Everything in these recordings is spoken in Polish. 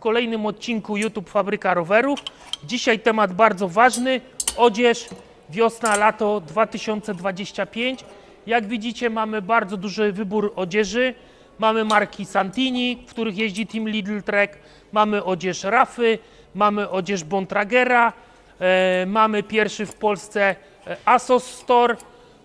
kolejnym odcinku YouTube Fabryka Rowerów. Dzisiaj temat bardzo ważny, odzież wiosna, lato 2025. Jak widzicie, mamy bardzo duży wybór odzieży. Mamy marki Santini, w których jeździ Team Lidl Trek, mamy odzież Rafy, mamy odzież Bontragera, mamy pierwszy w Polsce ASOS Store,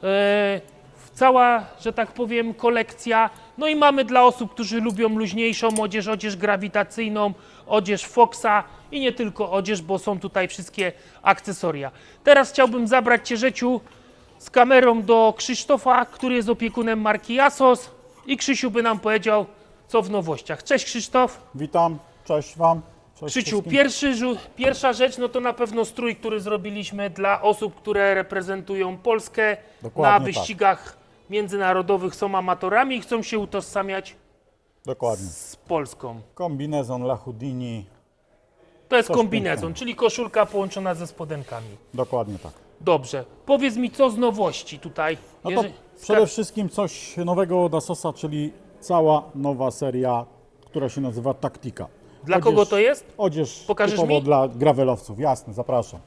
cała, że tak powiem, kolekcja. No i mamy dla osób, którzy lubią luźniejszą odzież, odzież grawitacyjną, odzież Foxa i nie tylko odzież, bo są tutaj wszystkie akcesoria. Teraz chciałbym zabrać Cię, Rzeciu, z kamerą do Krzysztofa, który jest opiekunem marki ASOS i Krzysiu by nam powiedział, co w nowościach. Cześć Krzysztof. Witam, cześć Wam. Cześć Krzysiu, wszystkim. pierwsza rzecz, no to na pewno strój, który zrobiliśmy dla osób, które reprezentują Polskę Dokładnie na wyścigach międzynarodowych, są amatorami i chcą się utożsamiać Dokładnie. z Polską. Kombinezon La Houdini. To jest Coś kombinezon, pięknego. czyli koszulka połączona ze spodenkami. Dokładnie tak. Dobrze, powiedz mi, co z nowości tutaj? No to przede wszystkim coś nowego od ASOSa, czyli cała nowa seria, która się nazywa Tactica. Dla kogo to jest? Odzież Pokażesz typowo mi? dla gravelowców, jasne, zapraszam.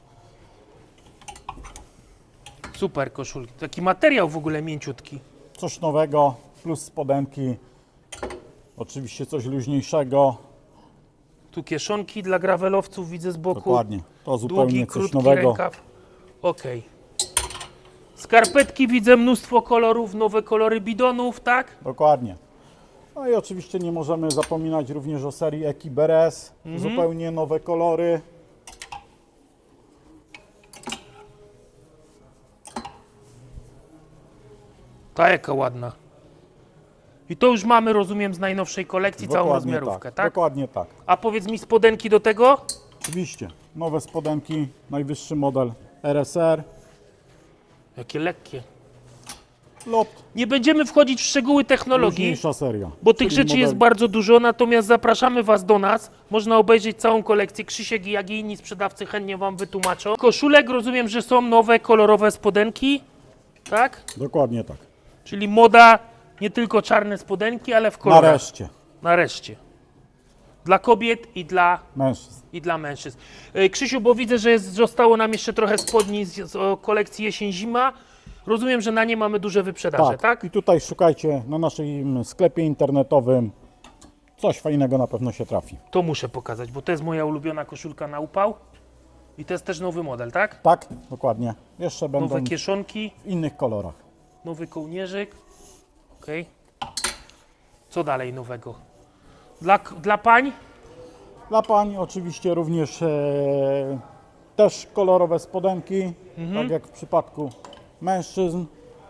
Super koszulki, taki materiał w ogóle mięciutki. Coś nowego, plus spodenki, oczywiście coś luźniejszego. Tu kieszonki dla gravelowców widzę z boku. Dokładnie, to zupełnie Długi, coś krótki nowego. rękaw. Okej. Skarpetki widzę, mnóstwo kolorów, nowe kolory bidonów, tak? Dokładnie. No i oczywiście nie możemy zapominać również o serii Ekiberes, zupełnie nowe kolory. Ta jaka ładna. I to już mamy, rozumiem, z najnowszej kolekcji całą Dokładnie rozmiarówkę, tak? Dokładnie tak. A powiedz mi, spodenki do tego? Oczywiście, nowe spodenki, najwyższy model RSR, Jakie lekkie. lot, Nie będziemy wchodzić w szczegóły technologii, luźniejsza seria. bo tych Czyli rzeczy jest bardzo dużo, natomiast zapraszamy Was do nas. Można obejrzeć całą kolekcję. Krzysiek, jak i inni sprzedawcy chętnie Wam wytłumaczą. Koszulek, rozumiem, że są nowe, kolorowe spodenki, tak? Dokładnie tak. Czyli moda, nie tylko czarne spodenki, ale w kolorach. Nareszcie, Nareszcie. Dla kobiet mężczyzn. i dla mężczyzn. Krzysiu, bo widzę, że zostało nam jeszcze trochę spodni z kolekcji jesień-zima. Rozumiem, że na nie mamy duże wyprzedaże, tak? I tutaj szukajcie na naszym sklepie internetowym. Coś fajnego na pewno się trafi. To muszę pokazać, bo to jest moja ulubiona koszulka na upał. I to jest też nowy model, tak? Tak, dokładnie. Jeszcze będą Nowe kieszonki, w innych kolorach. nowy kołnierzyk. Okej. Co dalej nowego? Dla pań? Dla pań oczywiście również też kolorowe spodenki, tak jak w przypadku mężczyzn.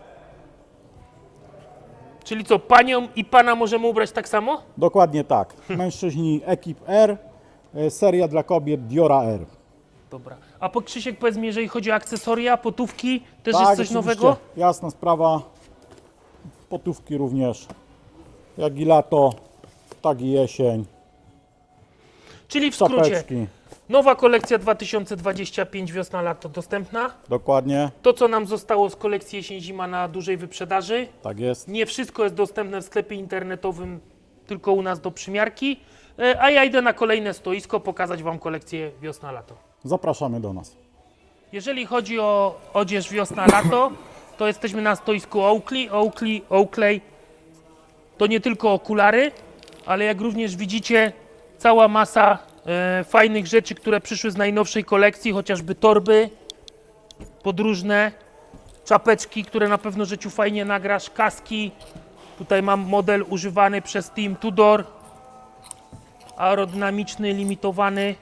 Czyli co, panią i pana możemy ubrać tak samo? Dokładnie tak. Mężczyźni Ekip R, seria dla kobiet Diora R. Dobra. A po Krzysiek, powiedz mi, jeżeli chodzi o akcesoria, potówki, też Tak, jest coś oczywiście. nowego? Jasna sprawa. Potówki również. Jak i lato, tak i jesień. Czyli w skrócie, Czapeczki. nowa kolekcja 2025 wiosna-lato dostępna. Dokładnie. To, co nam zostało z kolekcji jesień-zima na dużej wyprzedaży. Tak jest. Nie wszystko jest dostępne w sklepie internetowym, tylko u nas do przymiarki. A ja idę na kolejne stoisko pokazać Wam kolekcję wiosna-lato. Zapraszamy do nas. Jeżeli chodzi o odzież wiosna-lato, to jesteśmy na stoisku Oakley. To nie tylko okulary, ale jak również widzicie, cała masa fajnych rzeczy, które przyszły z najnowszej kolekcji, chociażby torby podróżne, czapeczki, które na pewno Rzeciu fajnie nagrasz, kaski. Tutaj mam model używany przez Team Tudor, aerodynamiczny, limitowany.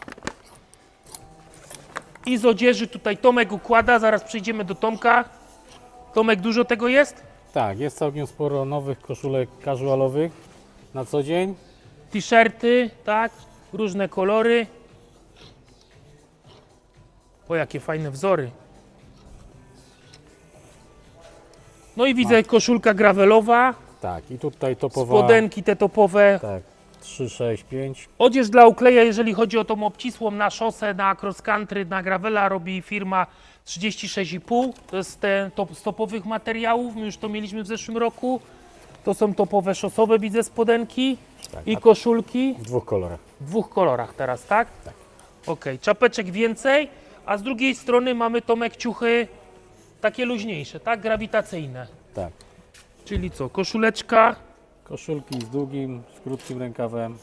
I z odzieży tutaj Tomek układa, zaraz przejdziemy do Tomka. Tomek, dużo tego jest? Tak, jest całkiem sporo nowych koszulek casualowych na co dzień. T-shirty, tak, różne kolory. O, jakie fajne wzory. No i widzę koszulka gravelowa, Tak, i tutaj topowa. spodenki te topowe. Tak, 3, 6, 5. Odzież dla Oakleya, jeżeli chodzi o tą obcisłą na szosę, na cross country, na gravela, robi firma 36,5. To jest z topowych materiałów, my już to mieliśmy w zeszłym roku. To są topowe szosowe, widzę, spodenki i koszulki W 2 kolorach. w 2 kolorach teraz, tak? Tak. Okej, czapeczek więcej, a z drugiej strony mamy, Tomek, ciuchy takie luźniejsze, tak? Grawitacyjne. Tak. Czyli co, koszuleczka, Koszulki z długim, z krótkim rękawem.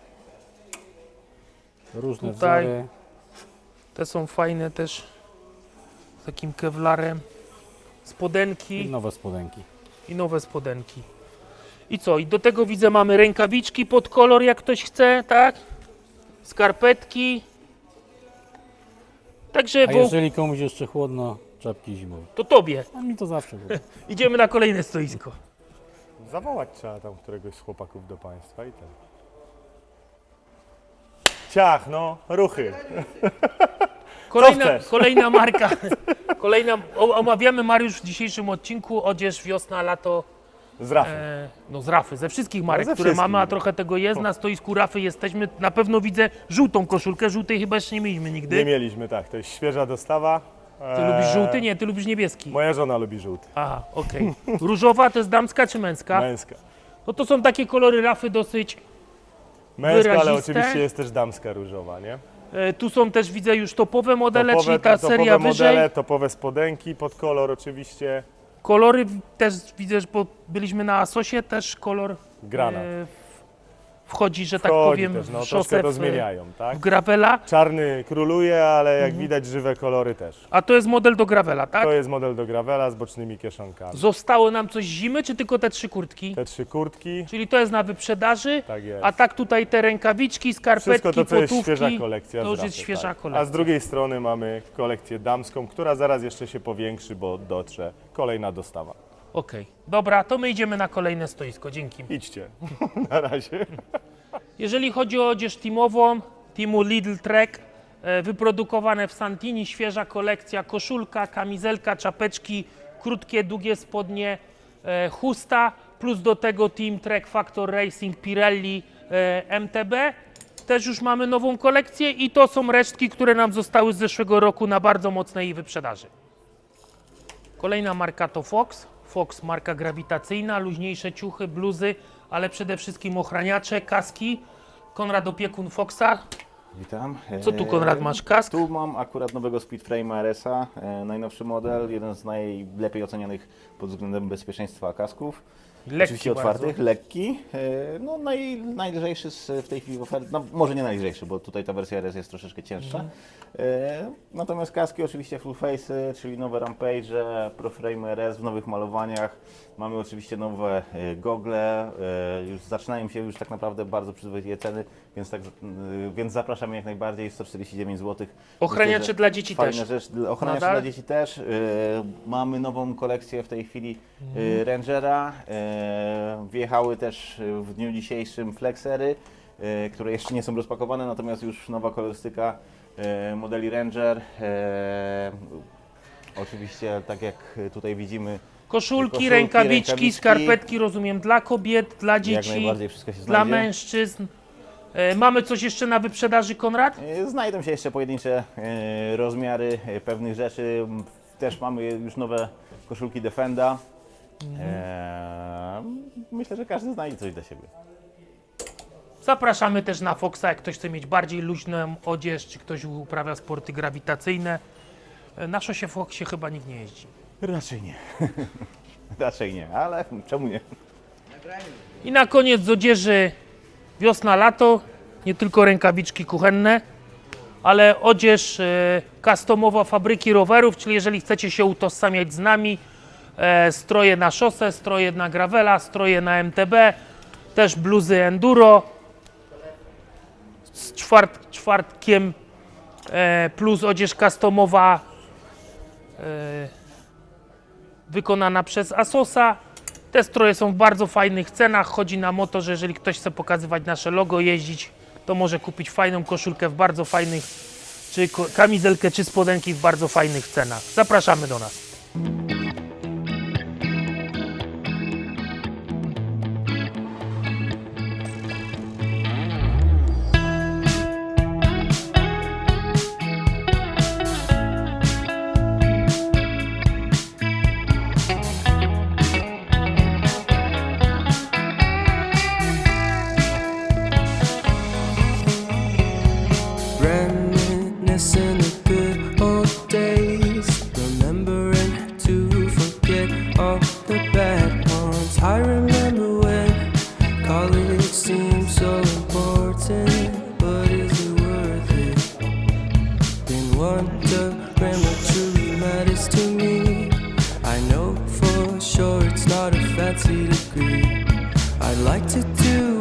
Różne Tutaj. wzory. te są fajne też, z takim kewlarem, I spodenki nowe spodenki. i nowe spodenki. I co, i do tego widzę, mamy rękawiczki pod kolor, jak ktoś chce, tak? Skarpetki. Także A jeżeli komuś jeszcze chłodno, czapki zimowe. to tobie. A mi to zawsze było. Idziemy na kolejne stoisko. Zawołać trzeba tam któregoś z chłopaków do państwa i tak. Ciach, no, ruchy. chcesz? Kolejna marka. Omawiamy, Mariusz, w dzisiejszym odcinku odzież wiosna, lato. Z rafy. No z Rafy, ze wszystkich marek, ze które wszystkich. mamy, a trochę tego jest. Na stoisku Rafy jesteśmy. Na pewno widzę żółtą koszulkę. Żółtej chyba jeszcze nie mieliśmy nigdy. Nie mieliśmy, tak. To jest świeża dostawa. Ty lubisz żółty? Nie, ty lubisz niebieski. Moja żona lubi żółty. Aha, okej. Różowa to jest damska czy męska? Męska. No to są takie kolory Rafy dosyć. Męska, ale Wyraziste. oczywiście jest też damska różowa, nie? Tu są też, widzę, już topowe modele, czyli ta topowe seria modele, wyżej. topowe spodenki pod kolor oczywiście. Kolory też widzę, bo byliśmy na Asosie, też kolor Granat. wchodzi, że tak Chodzi powiem, też, no, w troszkę szosę, to w zmieniają, tak? gravela. Czarny króluje, ale jak Mhm. widać żywe kolory też. A to jest model do gravela, tak? To jest model do gravela z bocznymi kieszonkami. Zostało nam coś z zimy, czy tylko te 3 kurtki? Te 3 kurtki, Czyli to jest na wyprzedaży, tak jest. a tak tutaj te rękawiczki, skarpetki, Wszystko to, co jest potówki, świeża kolekcja. to z już Rafy, jest świeża tak. kolekcja. A z drugiej strony mamy kolekcję damską, która zaraz jeszcze się powiększy, bo dotrze kolejna dostawa. Okej, dobra, to my idziemy na kolejne stoisko, dzięki. Idźcie, na razie. Jeżeli chodzi o odzież teamową, teamu Lidl Trek, wyprodukowane w Santini, świeża kolekcja, koszulka, kamizelka, czapeczki, krótkie, długie spodnie, chusta, plus do tego Team Trek Factor Racing Pirelli MTB. Też już mamy nową kolekcję i to są resztki, które nam zostały z zeszłego roku na bardzo mocnej wyprzedaży. Kolejna marka to Fox. Fox, marka grawitacyjna, luźniejsze ciuchy, bluzy, ale przede wszystkim ochraniacze, kaski. Konrad, opiekun Foxa. Witam. Co tu, Konrad, masz? Kask? Tu mam akurat nowego Speedframe'a RS-a, najnowszy model, jeden z najlepiej ocenianych pod względem bezpieczeństwa kasków. Lekki Oczywiście otwartych, lekki, no najlżejszy w tej chwili w ofercie, no może nie najlżejszy, bo tutaj ta wersja RS jest troszeczkę cięższa. Natomiast kaski oczywiście full face, czyli nowe Rampage, ProFrame RS w nowych malowaniach. Mamy oczywiście nowe gogle, już zaczynają się już tak naprawdę bardzo przyzwoite ceny, więc zapraszamy jak najbardziej, 149 zł. Ochraniacze Myślę, że dla dzieci fajna też. Rzecz. Ochraniacze Nadal? dla dzieci też. Mamy nową kolekcję w tej chwili Rangera. Wjechały też w dniu dzisiejszym Flexery, które jeszcze nie są rozpakowane, natomiast już nowa kolorystyka modeli Ranger. Oczywiście, tak jak tutaj widzimy, Koszulki, rękawiczki, skarpetki, rozumiem, dla kobiet, dla jak dzieci, najbardziej wszystko się dla znajdzie. mężczyzn. Mamy coś jeszcze na wyprzedaży, Konrad? Znajdą się jeszcze pojedyncze rozmiary pewnych rzeczy. Też mamy już nowe koszulki Defenda. Myślę, że każdy znajdzie coś dla siebie. Zapraszamy też na Foxa, jak ktoś chce mieć bardziej luźną odzież, czy ktoś uprawia sporty grawitacyjne. Na szosie Foxie chyba nikt nie jeździ. Raczej nie. Raczej nie, ale czemu nie? I na koniec z odzieży wiosna, lato, nie tylko rękawiczki kuchenne, ale odzież customowa fabryki rowerów, czyli jeżeli chcecie się utożsamiać z nami, stroje na szosę, stroje na gravela, stroje na MTB, też bluzy enduro z czwartkiem plus odzież customowa wykonana przez Asosa. Te stroje są w bardzo fajnych cenach. Chodzi nam o to, że jeżeli ktoś chce pokazywać nasze logo, jeździć, to może kupić fajną koszulkę w bardzo fajnych, czy kamizelkę, czy spodenki w bardzo fajnych cenach. Zapraszamy do nas. Instagram what truly matters to me. I know for sure it's not a fancy degree. I'd like to do